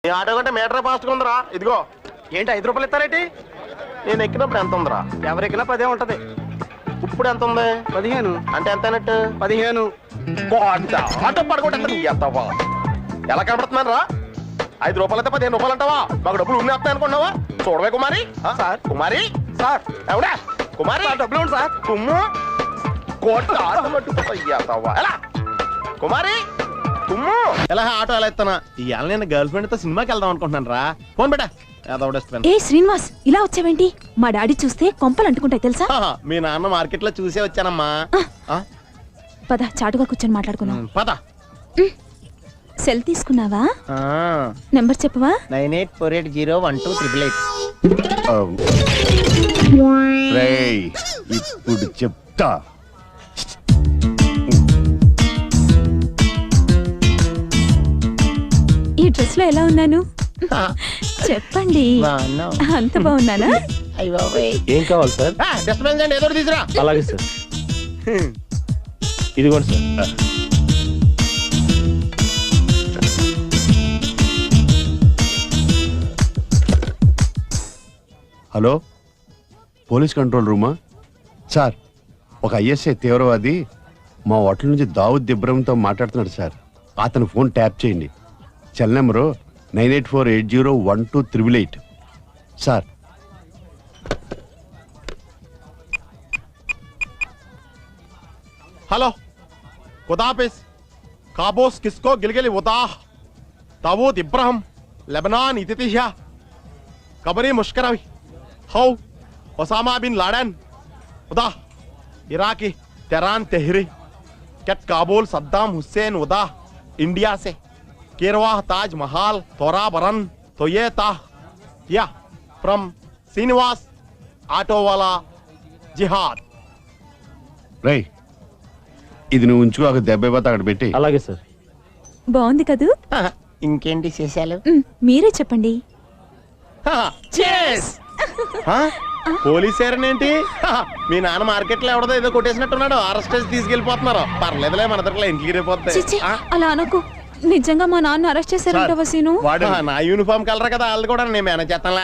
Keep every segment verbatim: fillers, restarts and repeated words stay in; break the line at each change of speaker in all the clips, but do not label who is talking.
ఈ ఆటో కంటే metre fast గా ఉందిరా. ఇదిగో.
ఏంటి ఐదు రూపాయలు ఇస్తారేంటి?
నేను ఎక్కినప్పుడు ఎంత ఉందిరా?
ఎవరు ఎక్కినా పదే ఉంటది.
ఇప్పుడు ఎంత ఉంది?
పదిహేను.
అంటే ఎంత అయినట్టు?
పదిహేను.
ఆటో పడగొట్టేస్తాను ఎత్తావా? ఎలా కనబడుతున్నాను రా? ఐదు రూపాయలు అయితే పదిహేను రూపాయలు అంటావా? మాకు డబ్బులు ఉన్నాయి వస్తాయి అనుకున్నావా? చూడవే కుమారి.
సార్.
కుమారి
సార్
ఎవడా కుమారి?
డబ్బులు ఉంది సార్.
కుమ్ము కోట ఆటో పట్టుకుపోతావా? ఎలా కుమారి కుమ్ము ఎలా ఆటో ఎలా ఎత్తానా? ఇవాళ నేను గర్ల్ ఫ్రెండ్ తో సినిమాకి వెళ్దాం అనుకుంటున్నాను రా. ఫోన్ పెట్టా.
ఏ శ్రీనివాస్, ఇలా వచ్చావేంటి? మా డాడీ చూస్తే కొంపలు అంటుకుంటాయి తెలుసా?
మీ నాన్న మార్కెట్ లో చూసే వచ్చానమ్మా.
పద, చాటుగా కూర్చొని మాట్లాడుకున్నాం.
పద.
సెల్ తీసుకున్నావా? నెంబర్ చెప్పవా?
Nine eight four eight zero one two triple eight.
ఇప్పుడు చెప్తా.
ఈ డ్రెస్ లో ఎలా ఉన్నాను చెప్పండి. అంత బాగున్నానా?
ఏం కావాలి సార్?
డిస్టర్బెన్స్ అండి, ఏదో తీసురా.
అలాగే సార్. ఇదిగోండి సార్.
హలో, పోలీస్ కంట్రోల్ రూమా? సార్, ఒక ఐఎస్ఐ తీవ్రవాది మా హోటల్ నుంచి దావుద్ ఇబ్రహంతో మాట్లాడుతున్నాడు సార్. అతని ఫోన్ ట్యాప్ చేయండి. Cell number nine eight four eight zero one two triple eight. Sir,
hello ఖుదాఫిజ్. కాబోస్ కిస్కో గిల్గిలి ఉదాహ్ దావూద్ ఇబ్రహం లెబనాన్ ఇతితిహ్యా కబరీ ముష్కరవి హౌ ఒసామా బిన్ లాడెన్ ఉదాహ్ ఇరాकी तेहरान तेहरी कैट काबुल सद्दाम हुसैन उदा इंडिया से केरवाह ताज महाल तोरा बरन तो ये ताह या फ्रॉम श्रीनिवास ऑटो वाला जिहाद.
రై, ఇది నువ్వు ఉంచుకో, ఒక దెబ్బ అయిపోతే అక్కడ పెట్టి.
అలాగే సార్.
బాగుంది కదూ?
ఇంకేంటి చేశాలు?
మీరే చెప్పండి.
పోలీస్ ఏంటి? మీ నాన్న మార్కెట్ లో ఎవడదో ఏదో కొట్టేసినట్టున్నాడు. అరెస్ట్ చేసి తీసుకెళ్లిపోతున్నారు. పర్లేదులే, మన దగ్గర ఇంటికి రేపోతాయి.
అలా అనుకో. నిజంగా మా నాన్న అరెస్ట్ చేశారంట వసీను.
వాడు నా యూనిఫామ్ కలర్ కదా, వాళ్ళు కూడా నేను మేనేజ్ చేస్తానులే.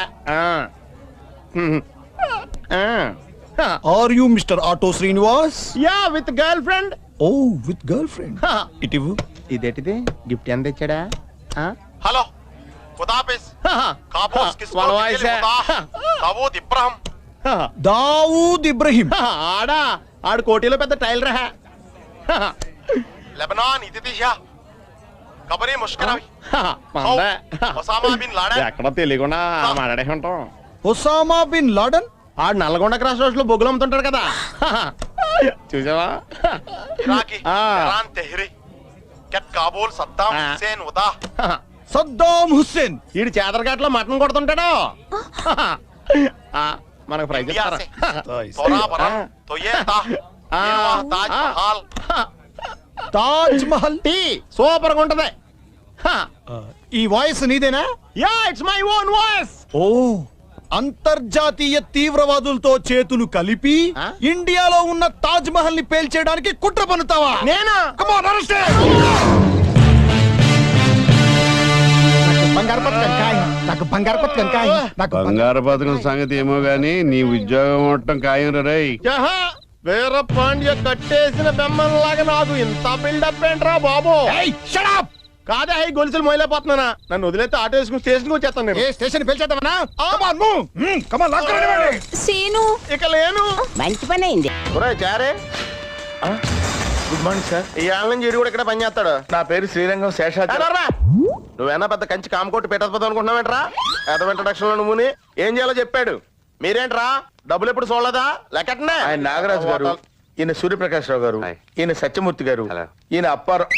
Are you Mister Auto Srinivas?
Yeah with girl friend.
Oh, with girlfriend. ఇటివు.
ఇదేంటిది? గిఫ్ట్ ఎంత తెచ్చాడా? హలో ఖుదాఫిజ్. కాబోస్ కిస్కో గిల్గిలి ఉదాహ్ దావూద్ ఇబ్రహం.
దావూద్ ఇబ్రహీం.
ఆడా ఆడు కోటిలో పెద్ద టైలర్ రహ. లెబనాన్ ఇతితిహ్యా కబరీ ముష్కరవి ఒసామా బిన్ లాడెన్. ఎక్కడ తెలియకుండా మాట్లాడే ఉంటాం.
Osama bin Laden.
ఆడు నల్గొండ క్రాస్ రోడ్ లో బొగ్గులు అమ్ముతుంటాడు కదా, చూసావా? ఇరాకీ తెహరాన్ తెహ్రీ कैट काबुल सद्दाम हुसैन उदा
సద్దాం హుస్సేన్.
ఈడు చేదరఘాట్ లో మటన్ కొడుతుంటాడు. మనకు prize
Taj Mahal.
Tea super గా ఉంటది.
ఈ వాయిస్ నీదేనా?
Yeah, it's my own voice.
ఓ, అంతర్జాతీయ తీవ్రవాదులతో చేతులు కలిపి ఇండియాలో ఉన్న తాజ్ మహల్ ని పేల్చేయడానికి కుట్ర పన్నుతావా?
నేనా?
Come on, arrest him. బంగారు పథకం ఖాయం. నాకు బంగారు పథకం ఖాయం. నాకు
బంగారు పథకం సంగతి ఏమో గానీ నీ ఉద్యోగం మొత్తం ఖాయం రై.
వీర పాండ్య కట్టేసిన బెమ్మలాగా నాకు ఇంత బిల్డప్ ఏంట్రా బాబు? కాదే, అయి గొలుసులు మొయలేకపోతున్నానా? నన్ను వదిలేస్తే ఆటో వేసుకుని స్టేషన్ వచ్చేస్తాను నేను.
స్టేషన్ పేల్చేద్దామనా?
సీను
ఇక లేను.
మంచి పని అయింది.
చారే
గుడ్ మార్నింగ్ సార్.
ఈ ఆళ్ళ నుంచి ఇడు కూడా ఇక్కడ పని చేస్తాడు.
నా పేరు శ్రీరంగం శేషాద్రి.
నువ్వేనా పెద్ద కంచి కామకోటి పెట్టకపోతే అనుకుంటున్నావేంట్రా? ఏదో ఇంట్రడక్షన్ లో నువ్వుని ఏం చేయాలో చెప్పాడు. మీరేంట్రా డబ్బులు ఎప్పుడు చూడలేదా? లెక్కటనే.
ఆయన నాగరాజు గారు, ఈయన సూర్యప్రకాష్ రావు గారు, ఈయన సత్యమూర్తి గారు, ఈయన అప్పారావు.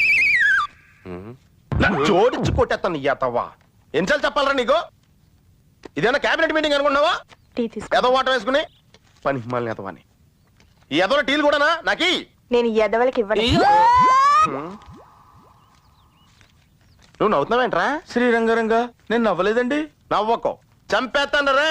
జోడించి కొట్టేస్తాను ఇయ్యతవ్వా. ఎన్నిసార్లు చెప్పాలరా నీకు? ఇదేనా క్యాబినెట్ మీటింగ్ అనుకున్నావా? ఏదో వాటర్ వేసుకుని పని మళ్ళీ ఎదవని. ఈ ఎదవ టీలు కూడానా నాకి?
నేను ఎదవలకి ఇవ్వను.
నువ్వు నవ్వుతున్నావేంట్రా?
శ్రీరంగరంగా నేను నవ్వలేదండి.
నవ్వకో, చంపేస్తాను రే.